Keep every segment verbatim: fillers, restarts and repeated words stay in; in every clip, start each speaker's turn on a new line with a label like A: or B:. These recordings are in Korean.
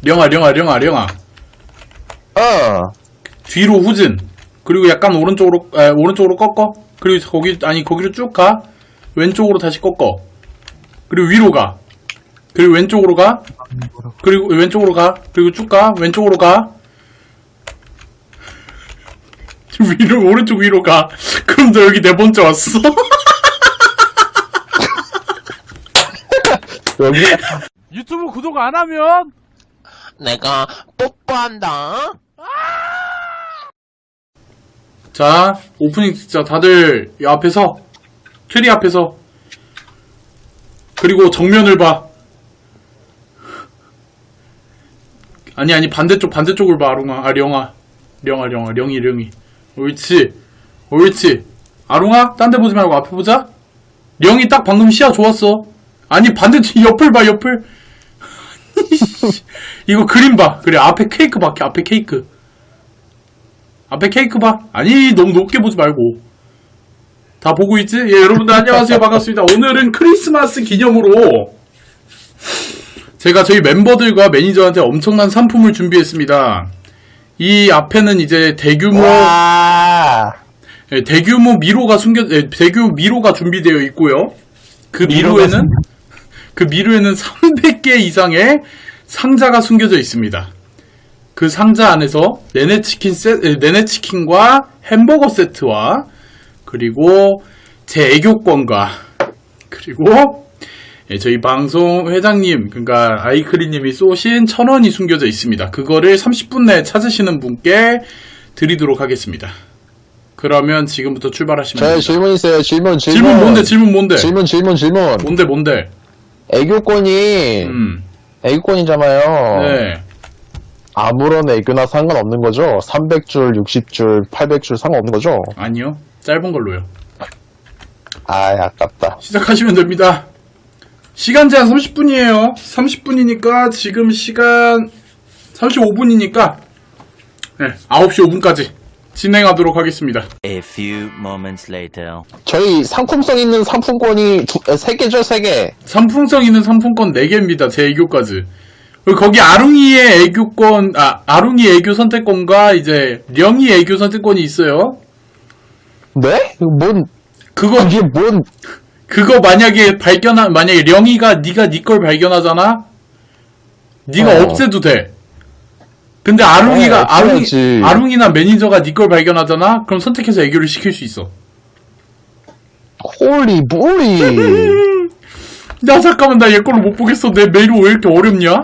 A: 령아, 령아, 령아, 령아.
B: 어.
A: 뒤로 후진. 그리고 약간 오른쪽으로, 에, 오른쪽으로 꺾어. 그리고 거기, 아니, 거기로 쭉 가. 왼쪽으로 다시 꺾어. 그리고 위로 가. 그리고 왼쪽으로 가. 그리고 왼쪽으로 가. 그리고 쭉 가. 왼쪽으로 가. 위로, 오른쪽 위로 가. 그럼 너 여기 네 번째 왔어.
B: 여기
C: 유튜브 구독 안 하면
B: 내가 뽀뽀한다.
A: 자, 오프닝 진짜 다들 이 앞에서, 트리 앞에서. 그리고 정면을 봐. 아니, 아니, 반대쪽, 반대쪽을 봐, 아롱아. 아, 령아. 령아, 령아, 령이, 령이. 옳지. 옳지. 아롱아, 딴 데 보지 말고 앞에 보자. 령이 딱 방금 시야 좋았어. 아니, 반대쪽, 옆을 봐, 옆을. 이거 그림 봐. 그래, 앞에 케이크 봐, 앞에 케이크. 앞에 케이크 봐. 아니, 너무 높게 보지 말고. 다 보고 있지? 예, 여러분들 안녕하세요. 반갑습니다. 오늘은 크리스마스 기념으로 제가 저희 멤버들과 매니저한테 엄청난 상품을 준비했습니다. 이 앞에는 이제 대규모,
B: 와.
A: 예, 대규모 미로가 숨겨, 예, 대규모 미로가 준비되어 있고요. 그 미로에는, 그 미로에는 삼백 개 이상의 상자가 숨겨져 있습니다. 그 상자 안에서 네네치킨 세, 네네치킨과 햄버거 세트와 그리고 제 애교권과 그리고 예, 저희 방송 회장님 그러니까 아이크리님이 쏘신 천 원이 숨겨져 있습니다. 그거를 삼십 분 내에 찾으시는 분께 드리도록 하겠습니다. 그러면 지금부터 출발하시면
B: 저희
A: 됩니다.
B: 질문 있어요. 질문, 질문.
A: 질문 뭔데? 질문 뭔데?
B: 질문, 질문, 질문.
A: 뭔데 뭔데?
B: 애교권이,
A: 음.
B: 애교권이잖아요.
A: 네.
B: 아무런 애교나 상관없는 거죠? 삼백 줄, 육십 줄, 팔백 줄 상관없는 거죠?
A: 아니요. 짧은 걸로요.
B: 아이, 아깝다.
A: 시작하시면 됩니다. 시간 제한 삼십 분이에요. 삼십 분이니까 지금 시간 삼십오 분이니까 네, 아홉 시 오 분까지 진행하도록 하겠습니다.
D: A few moments later.
B: 저희 상품성 있는 상품권이 두, 에, 세 개죠, 세 개.
A: 상품성 있는 상품권 네 개입니다. 제 애교까지. 그리고 거기 아룽이의 애교권, 아, 아룽이 애교 선택권과 이제 령이 애교 선택권이 있어요.
B: 네? 뭔,
A: 그거,
B: 이게 뭔,
A: 그거 만약에 발견한, 만약에 령이가 네가 네 걸 발견하잖아? 네가
B: 어.
A: 없애도 돼. 근데 아룽이가,
B: 어,
A: 아룽이,
B: 없애야지.
A: 아룽이나 매니저가 네 걸 발견하잖아? 그럼 선택해서 애교를 시킬 수 있어.
B: 홀리, 몰리.
A: 야, 잠깐만, 나 얘 걸로 못 보겠어. 내 메일이 왜 이렇게 어렵냐?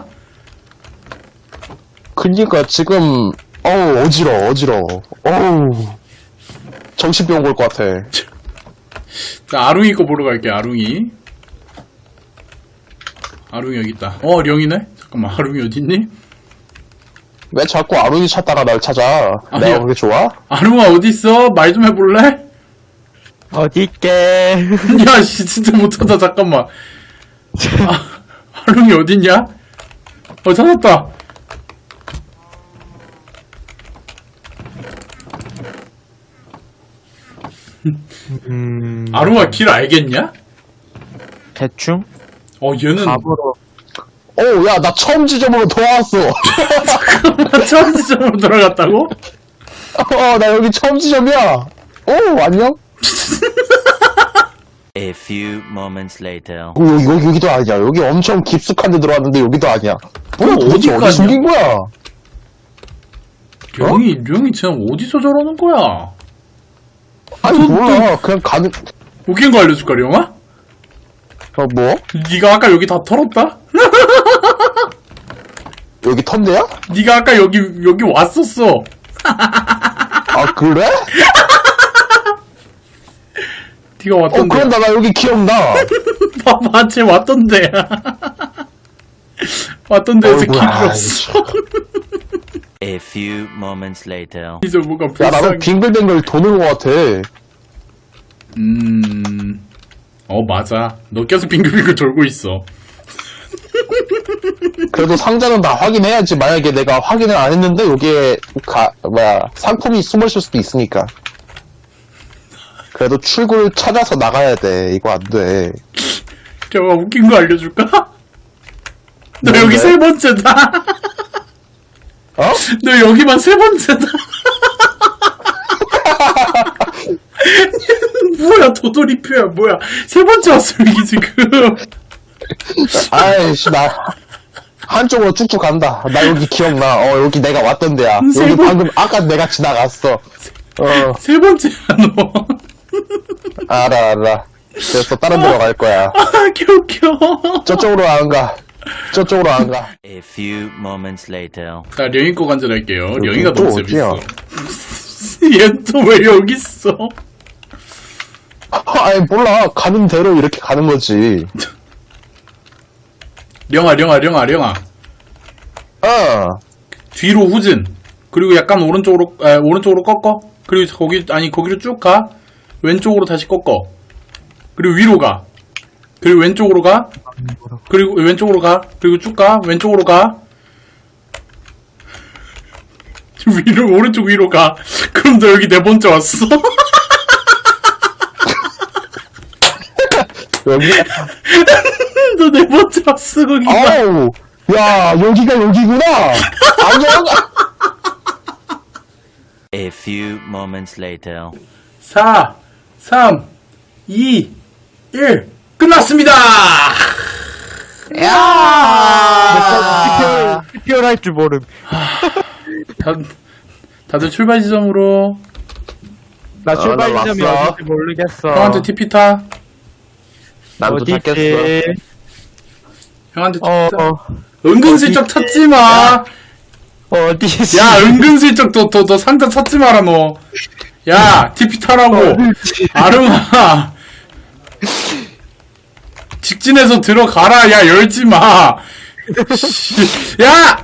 B: 그니까 지금, 어우, 어지러워, 어지러워. 어우. 정신병 올 것 같아.
A: 자, 아룽이 거 보러 갈게, 아룽이. 아룽이 여기 있다. 어, 령이네? 잠깐만, 아룽이 어딨니?
B: 왜 자꾸 아lun이 찾다가 날 찾아?
A: 아니요.
B: 내가 그게 좋아?
A: 아룽아, 어딨어? 말 좀 해볼래?
C: 어디있게.
A: 야, 씨, 진짜 못하다, 잠깐만. 아, 아룽이 어딨냐? 어, 찾았다.
C: 음...
A: 아룽아, 길 알겠냐?
C: 대충?
A: 어, 얘는.
C: 답으로.
B: 어, 야, 나 처음 지점으로 돌아왔어.
A: 처음 지점으로 들어갔다고?
B: 어, 나 여기 처음 지점이야. 오, 안녕?
D: A few moments later.
B: 어, 여기, 여기, 여기도 아니야. 여기 엄청 깊숙한 데 들어왔는데 여기도 아니야. 뭐야,
A: 어,
B: 도대체
A: 어디까지야?
B: 어디 숨긴 거야?
A: 령이, 령이 지금 어디서 저러는 거야?
B: 아니,
A: 또-
B: 몰라. 그냥 가는,
A: 웃긴 거 알려줄까, 령아?
B: 어, 뭐?
A: 네가 아까 여기 다 털었다?
B: 여기 턴데야?
A: 네가 아까 여기, 여기 왔었어.
B: 아, 그래?
A: 네가
B: 어,
A: 왔던데.
B: 그런다. 나 여기 기억나.
A: 봐봐, 쟤 왔던데. 왔던 데에서 길
B: 어이구야,
A: 잃었어.
D: A few moments later.
A: 이제 뭐가
B: 야, 나도
A: 불쌍해.
B: 빙글빙글 도는 것 같아.
A: 음, 어, 맞아. 너 계속 빙글빙글 돌고 있어.
B: 그래도 상자는 다 확인해야지. 만약에 내가 확인을 안 했는데 여기에 가 뭐야 상품이 숨어있을 수도 있으니까. 그래도 출구를 찾아서 나가야 돼. 이거 안 돼.
A: 제가 웃긴 거 알려줄까? 너
B: 뭔데?
A: 여기 세 번째다. 너 여기만 세 번째다. 뭐야, 도돌이표야, 뭐야. 세 번째 왔어, 여기 지금.
B: 아이씨, 나, 한쪽으로 쭉쭉 간다. 나 여기 기억나. 어, 여기 내가 왔던 데야.
A: 세
B: 여기
A: 번-
B: 방금, 아까 내가 지나갔어. 어,
A: 세 번째야, 너.
B: 알아, 알아. 됐어, 다른 데로 갈 거야.
A: 아, 개웃겨.
B: 저쪽으로 안 가. 저쪽으로 안 가.
D: A few moments later.
A: 자, 령이 거 간절할게요. 령이가
B: 또
A: 너무
B: 어디야?
A: 재밌어. 얘 또 왜 여기 있어?
B: 아니, 몰라. 가는 대로 이렇게 가는 거지.
A: 령아, 령아, 령아, 령아.
B: 어.
A: 뒤로 후진. 그리고 약간 오른쪽으로, 에, 오른쪽으로 꺾어. 그리고 거기, 아니, 거기로 쭉 가. 왼쪽으로 다시 꺾어. 그리고 위로 가. 그리고 왼쪽으로 가. 그리고 왼쪽으로 가. 그리고 쭉 가. 왼쪽으로 가. 위로, 오른쪽 위로 가. 그럼 너 여기 네 번째 왔어.
B: 여기,
A: 너 네 번째 왔어, 거기가.
B: 아우. 야, 여기가 여기구나. 안녕.
D: A few moments later.
A: 사, 삼, 이, 일. 끝났습니다!
B: 야.
C: 티피엘 할 줄 모름.
A: 다, 다들 출발 지점으로
C: 나 출발
B: 나
C: 지점이
B: 왔어.
C: 어딘지 모르겠어.
A: 형한테 티피 타.
B: 난 도착했어.
C: 어디지?
A: 형한테 티피
C: 어,
A: 타.
C: 어,
A: 은근슬쩍 찾지 마.
C: 어디지?
A: 야, 은근슬쩍 너, 너, 너 상자 찾지 마라, 너. 야, 티피 타라고. 아름아. 직진해서 들어가라. 야, 열지 마. 씨. 야!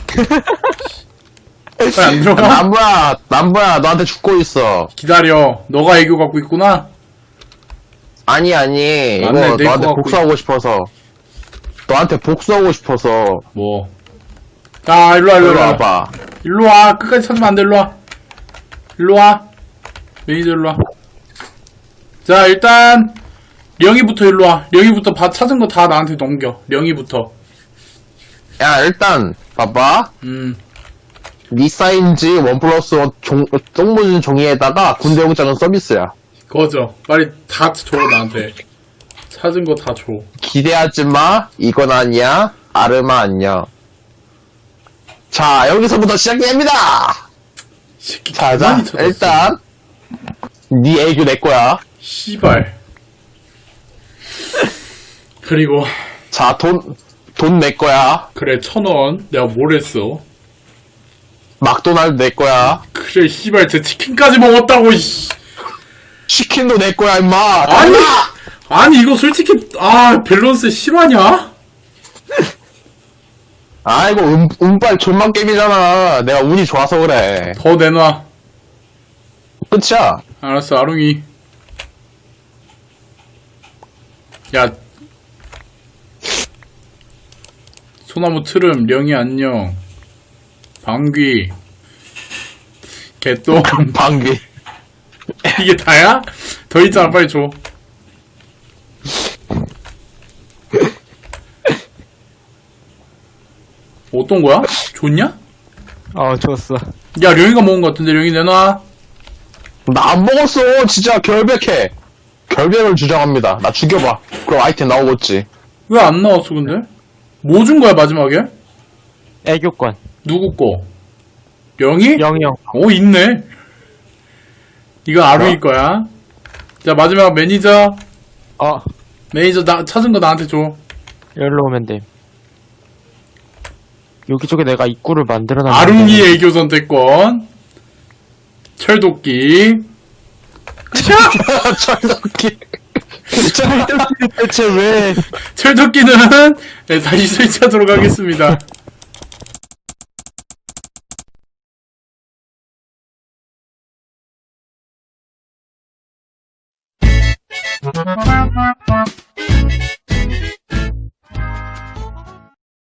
A: 빨리 안 들어가?
B: 남부야, 남부야, 너한테 죽고 있어.
A: 기다려. 너가 애교 갖고 있구나?
B: 아니, 아니. 이거 이거
A: 내
B: 너한테
A: 거 갖고
B: 복수하고 싶어서. 너한테 복수하고 싶어서.
A: 뭐. 아, 일로와,
B: 일로
A: 일로와.
B: 와봐.
A: 일로와. 끝까지 찾으면 안 돼, 일로와. 일로와. 매니저 일로와. 자, 일단, 령이부터 일로와. 령이부터 바, 찾은 거 다 나한테 넘겨. 령이부터.
B: 야, 일단, 봐봐.
A: 음.
B: 네 사인지 원 플러스 원 종, 똥무진 종이에다가 군대 영장은 서비스야.
A: 거저. 빨리 다 줘, 나한테. 찾은 거 다 줘.
B: 기대하지 마. 이건 아니야. 아르마 안녕. 자, 여기서부터 시작됩니다.
A: 새끼,
B: 자, 자,
A: 가만히 찾았어.
B: 일단, 네 애교 내 거야.
A: 씨발. 그리고,
B: 자, 돈, 돈 내 거야.
A: 그래, 천 원. 내가 뭘 했어?
B: 막도날드 내 거야.
A: 그래, 씨발, 제 치킨까지 먹었다고, 씨.
B: 치킨도 내 거야, 임마.
A: 아니! 아니, 이거 솔직히, 아, 밸런스 실화냐?
B: 아이고, 음, 운빨 존만 게임이잖아. 내가 운이 좋아서 그래.
A: 더 내놔.
B: 끝이야.
A: 알았어, 아롱이. 야. 소나무 트름, 령이 안녕. 방귀. 개똥.
B: 방귀.
A: 이게 다야? 더 있잖아, 빨리 줘. 어떤 거야? 좋냐?
C: 어, 좋았어.
A: 야, 령이가 먹은 거 같은데, 령이 내놔.
B: 나 안 먹었어. 진짜 결백해. 결백을 주장합니다. 나 죽여봐. 그럼 아이템 나오겠지.
A: 왜 안 나왔어, 근데? 뭐 준 거야, 마지막에?
C: 애교권.
A: 누구 거? 령이?
C: 영영.
A: 어, 있네. 이거 아루이 거야. 자, 마지막 매니저.
C: 어,
A: 매니저 나, 찾은 거 나한테 줘.
C: 여기로 오면 돼. 여기저기 내가 입구를 만들어놨는데.
A: 아룽이 애교 선택권. 철도끼.
B: 철덕기.
C: 대체 왜?
A: 철도끼는 네, 다시 설치하도록 하겠습니다.